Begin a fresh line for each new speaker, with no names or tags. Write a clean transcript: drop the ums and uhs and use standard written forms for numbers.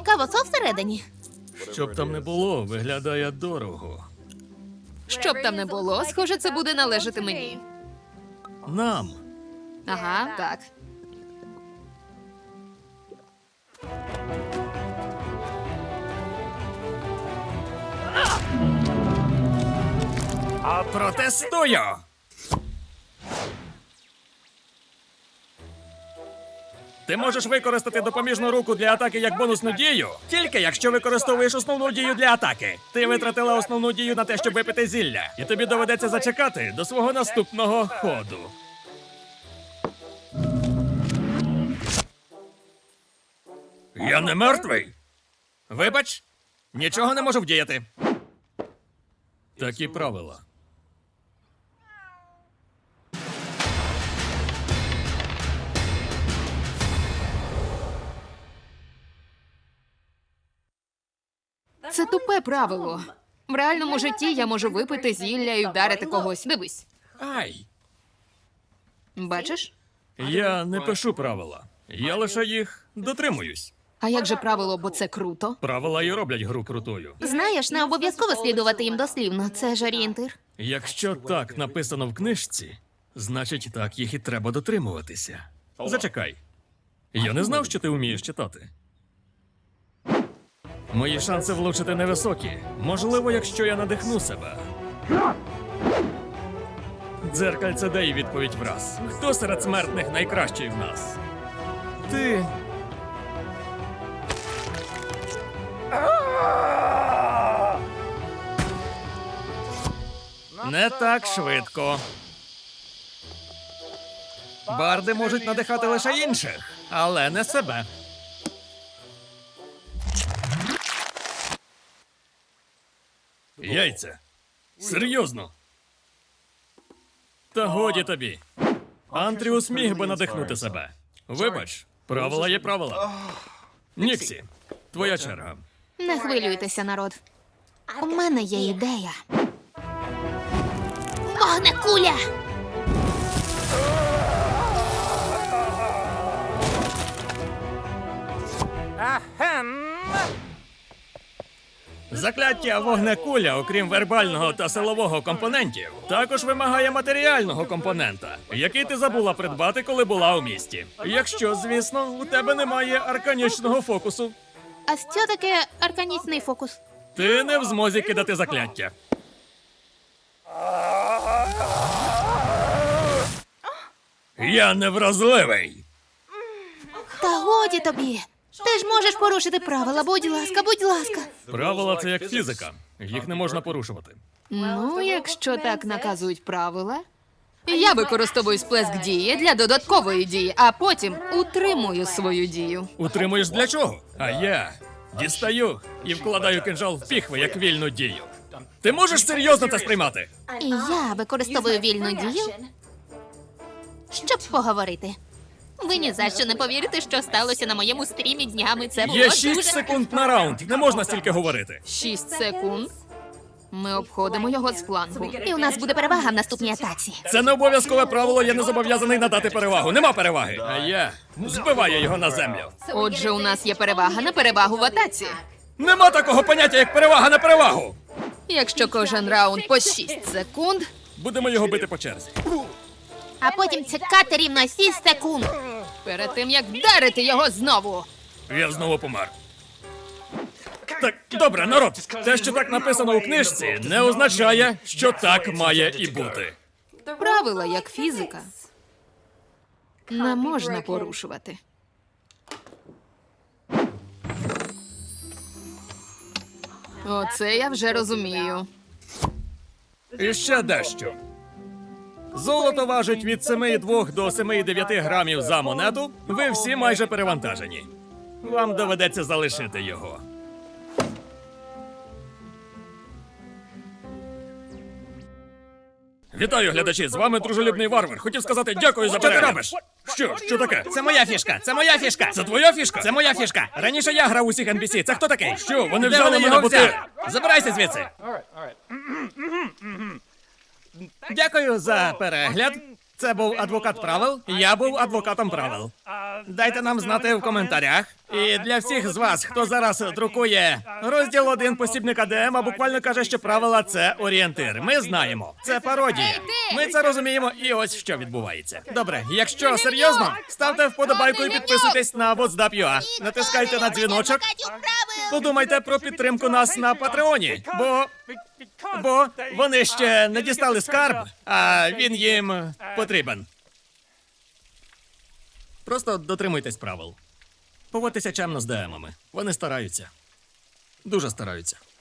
Цікаво, що всередині?
Щоб там не було, виглядає дорого.
Щоб там не було, схоже, це буде належати мені.
Нам.
Ага, так.
Протестую! Ти можеш використати допоміжну руку для атаки як бонусну дію, тільки якщо використовуєш основну дію для атаки. Ти витратила основну дію на те, щоб випити зілля, і тобі доведеться зачекати до свого наступного ходу. Я не мертвий. Вибач, нічого не можу вдіяти. Такі правила.
Це тупе правило. В реальному житті я можу випити зілля і вдарити когось. Дивись.
Ай!
Бачиш?
Я не пишу правила. Я лише їх дотримуюсь.
А як же правило, бо це круто?
Правила і роблять гру крутою.
Знаєш, не обов'язково слідувати їм дослівно. Це ж орієнтир.
Якщо так написано в книжці, значить так їх і треба дотримуватися. Зачекай. Я не знав, що ти вмієш читати. Мої шанси влучити невисокі. Можливо, якщо я надихну себе. Дзеркальце дай відповідь враз. Хто серед смертних найкращий в нас? Ти. Не так швидко. Барди можуть надихати лише інших, але не себе. Яйця. Серйозно. Та годі тобі. Антріус міг би надихнути себе. Вибач, правила є правила. Ніксі, твоя черга.
Не хвилюйтеся, народ. У мене є ідея. Вогнекуля!
Закляття вогнекуля, окрім вербального та силового компонентів, також вимагає матеріального компонента, який ти забула придбати, коли була у місті. Якщо, звісно, у тебе немає арканічного фокусу.
А що таке арканічний фокус?
Ти не в змозі кидати закляття. Я невразливий.
Та годі тобі. Ти ж можеш порушити правила, будь ласка, будь ласка.
Правила це як фізика. Їх не можна порушувати.
Ну, якщо так наказують правила. Я використовую сплеск дії для додаткової дії, а потім утримую свою дію.
Утримуєш для чого? А я дістаю і вкладаю кинжал в піхви як вільну дію. Ти можеш серйозно це сприймати?
І я використовую вільну дію, щоб поговорити. Ви ні за що не повірите, що сталося на моєму стрімі днями. Це було
Є 6
дуже...
секунд на раунд. Не можна стільки говорити.
6 секунд. Ми обходимо його з флангу.
І у нас буде перевага в наступній атаці.
Це не обов'язкове правило, я не зобов'язаний надати перевагу. Нема переваги. А я збиваю його на землю.
Отже, у нас є перевага на перевагу в атаці.
Нема такого поняття, як перевага на перевагу.
Якщо кожен раунд по 6 секунд,
Будемо його бити по черзі.
А потім чекати рівно 6 секунд.
перед тим як вдарити його знову.
Я знову помер. Так, добре, народ. Те, що так написано у книжці, не означає, що так має і бути.
Правила, як фізика, не можна порушувати. Оце я вже розумію.
І ще дещо. Золото важить від 7,2 до 7,9 грамів за монету. Ви всі майже перевантажені. Вам доведеться залишити його. Вітаю, глядачі! З вами дружелюбний варвар. Хотів сказати дякую за перегляд. Що ти робиш? Що таке?
Це моя фішка! Це моя фішка!
Це твоя фішка?
Це моя фішка! Раніше я грав усіх NPC. Це хто такий?
Що, вони
Де
взяли
вони
мене,
його
бо ти...
взяли? Забирайся звідси!
Дякую за перегляд. Це був адвокат правил. Я був адвокатом правил. Дайте нам знати в коментарях. І для всіх з вас, хто зараз друкує розділ 1 посібника ДМ, буквально каже, що правила це орієнтир. Ми знаємо. Це пародія. Ми це розуміємо, і ось що відбувається. Добре, якщо серйозно, ставте вподобайку і підписуйтесь на WhatsApp.ua. Натискайте на дзвіночок. Подумайте про підтримку нас на Патреоні, бо вони ще не дістали скарб, а він їм потрібен. Просто дотримуйтесь правил. Поводьтеся чемно з ДМами. Вони стараються. Дуже стараються.